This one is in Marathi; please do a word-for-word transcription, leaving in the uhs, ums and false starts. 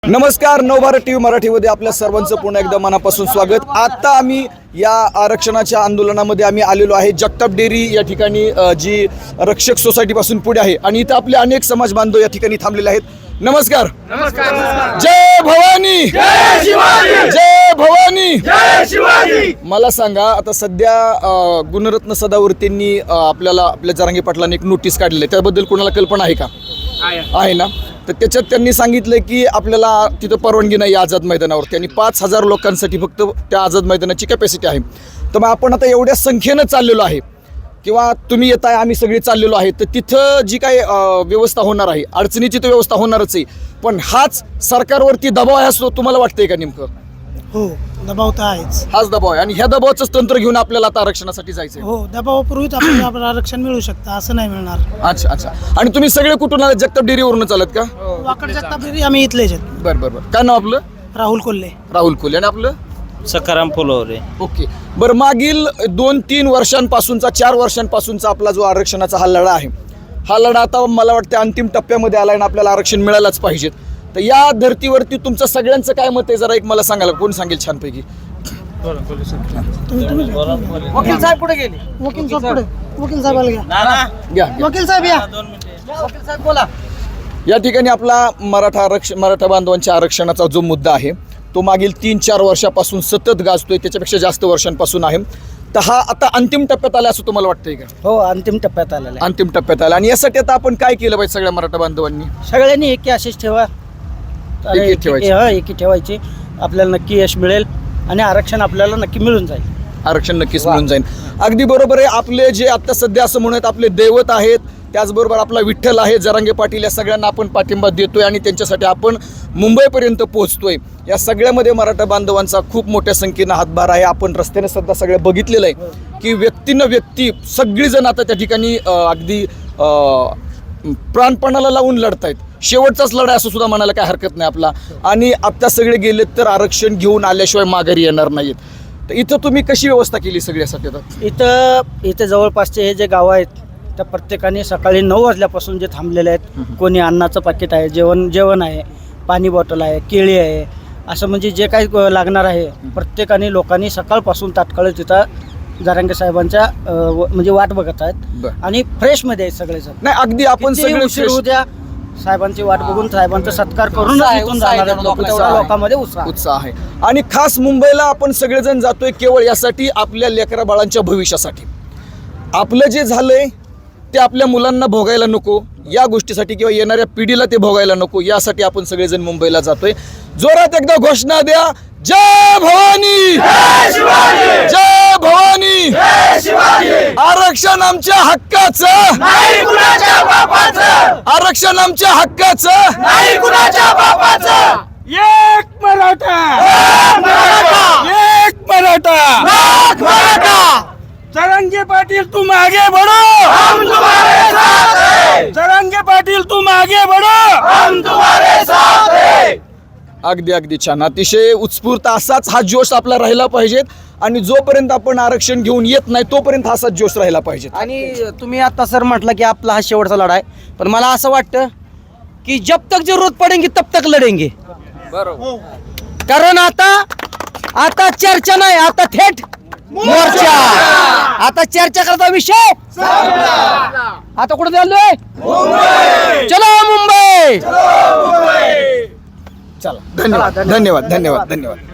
नमस्कार, नवभारत टीव्ही मराठीमध्ये आपल्या सर्वांचं पुन्हा एकदा मनापासून स्वागत। आता आम्ही या आरक्षणाच्या आंदोलनामध्ये आम्ही आलेलो आहे जगताप डेअरी या ठिकाणी, जी रक्षक सोसायटी पासून पुढे आहे आणि इथं आपले अनेक समाज बांधव या ठिकाणी थांबलेले आहेत। नमस्कार। नमस्कार। जय भवानी, जय शिवाजी, जय भवानी, जय शिवाजी। मला सांगा, आता सध्या गुणरत्न सदावर्तेंनी आपल्याला आपल्या जरांगे पाटलांनी एक नोटीस काढलेली आहे, त्याबद्दल कोणाला कल्पना आहे का? आहे ना? तर त्याच्यात त्यांनी सांगितलं की आपल्याला तिथं परवानगी नाही आझाद मैदानावर, त्यांनी पाच हजार लोकांसाठी फक्त त्या आझाद मैदानाची कॅपॅसिटी आहे। तर मग आपण आता एवढ्या संख्येनं चाललेलो आहे किंवा तुम्ही येत आहे, आम्ही सगळे चाललेलो आहे, तर तिथं जी काही व्यवस्था होणार आहे, अडचणीची तर व्यवस्था होणारच आहे, पण हाच सरकारवरती दबाव आहे असं तुम्हाला वाटतंय का? नेमकं हो, दबाव तर आहेच। हाच दबाव आहे आणि ह्या दबावाचंच तंत्र घेऊन आपल्याला आता आरक्षणासाठी जायचं आहे। हो, दबावापूर्वीच आपल्याला आपलं आरक्षण मिळू शकतं, असं नाही मिळणार। अच्छा अच्छा। आणि तुम्ही सगळे कुठून आलात? जगताप डेअरीवरून चालत का? वाकड जगताप डेअरी आम्ही इथलेच आहेत। बरं बरं बरं। काय नाव आपलं? राहुल कोल्हे। राहुल कोल्हे। आणि आपलं? सकाराम फुलवरे। ओके, बरं, मागील दोन तीन वर्षांपासूनचा चार वर्षांपासूनचा आपला जो आरक्षणाचा हा लढा आहे, हा लढा आता मला वाटतं अंतिम टप्प्यामध्ये आला आणि आपल्याला आरक्षण मिळायलाच पाहिजे। तर या धर्तीवरती तुमचं सगळ्यांचं काय मत आहे, जरा एक मला सांगाल? कोण सांगेल छानपैकी? वकील साहेब पुढे गेले। वकील साहेब पुढे, वकील साहेबाला घ्या। घ्या, घ्या। वकील साहेब या। वकील साहेब बोला। या ठिकाणी आपला मराठा आरक्षण मराठा बांधवांच्या आरक्षणाचा जो मुद्दा आहे तो मागील तीन चार वर्षापासून सतत गाजतोय, त्याच्यापेक्षा जास्त वर्षांपासून आहे। तर हा आता अंतिम टप्प्यात आला असं तुम्हाला वाटतंय का? हो, अंतिम टप्प्यात आलेला आहे। अंतिम टप्प्यात आला आणि यासाठी आता आपण काय केलं पाहिजे सगळ्या मराठा बांधवांनी? सगळ्यांनी एकी अशीच ठेवा, एकी ठेवायची। हा, एकी ठेवायची, आपल्याला नक्की यश मिळेल आणि आरक्षण आपल्याला नक्की मिळून जाईल। आरक्षण नक्कीच मिळून जाईल। अगदी बरोबर आहे। आपले जे आता सध्या असं म्हणत आपले दैवत आहेत, त्याचबरोबर आपला विठ्ठल आहे, जरांगे पाटील, या सगळ्यांना आपण पाठिंबा देतोय आणि त्यांच्यासाठी आपण मुंबईपर्यंत पोहोचतोय। या सगळ्यामध्ये मराठा बांधवांचा खूप मोठ्या संख्येनं हातभार आहे। आपण रस्त्याने सुद्धा सगळं बघितलेलं आहे की व्यक्तीनं व्यक्ती सगळीजण आता त्या ठिकाणी अगदी प्राणपणाला लावून लढतायत। शेवटचाच लढाई असं सुद्धा म्हणायला काय हरकत नाही आपला। आणि आता सगळे गेलेत तर आरक्षण घेऊन आल्याशिवाय माघारी येणार नाहीत। तर इथं तुम्ही कशी व्यवस्था केली सगळ्यासाठी? आता इथं इथे जवळपासचे हे जे गावं आहेत त्या प्रत्येकाने सकाळी नऊ वाजल्यापासून जे थांबलेले आहेत, कोणी अन्नाचं पाकिट आहे, जेवण जेवण आहे, पाणी बॉटल आहे, केळी आहे, असं म्हणजे जे काही लागणार आहे प्रत्येकाने लोकांनी सकाळपासून तात्काळ तिथं जरांगे साहेबांच्या म्हणजे वाट बघत आहेत आणि फ्रेशमध्ये आहेत सगळेजण। नाही, अगदी आपण सगळे उशीर उद्या साहेबांची वाट बघून साहेबांचा सत्कार करून लोकांमध्ये उत्साह उत्साह आहे। आणि खास मुंबईला आपण सगळेजण जातोय केवळ यासाठी, आपल्या लेकरा बाळांच्या भविष्यासाठी। आपलं जे झालंय ते आपल्या मुलांना भोगायला नको, या गोष्टीसाठी किंवा येणाऱ्या पिढीला ते भोगायला नको, यासाठी आपण सगळेजण मुंबईला जातोय। जोरात एकदा घोषणा द्या, जय भवानी, जय शिवाजी, जय भवानी, जय शिवाजी। आरक्षण आमच्या हक्काचं, नाही कुणाच्या बापाचं, आरक्षण आमच्या हक्काचं, नाही कुणाच्या बापाचं। एक मराठा, एक मराठा, एक मराठा, लाख मराठा। जरांगे पाटील तुम आगे बढ़ो, हम तुम्हारे साथ हैं, जरांगे पाटील तुम आगे बढ़ो, हम तुम्हारे साथ हैं। अगदी अगदी छान, अतिशय उत्स्फूर्त असाच हा जोश आपला राहिला पाहिजे आणि जोपर्यंत आपण आरक्षण घेऊन येत नाही तोपर्यंत हा असाच जोश राहिला पाहिजे। आणि तुम्ही आता सर म्हटलं की आपला हा शेवटचा लढा आहे, पण मला असं वाटतं की जब तक जरूरत पडेंगी तब तक लढेंगे। बरोबर। कारण आता आता चर्चा नाही, आता थेट मोर्चा। आता चर्चा करता विषय आता कुठे चाललोय? चलो मुंबई। चला, धन्यवाद धन्यवाद धन्यवाद धन्यवाद।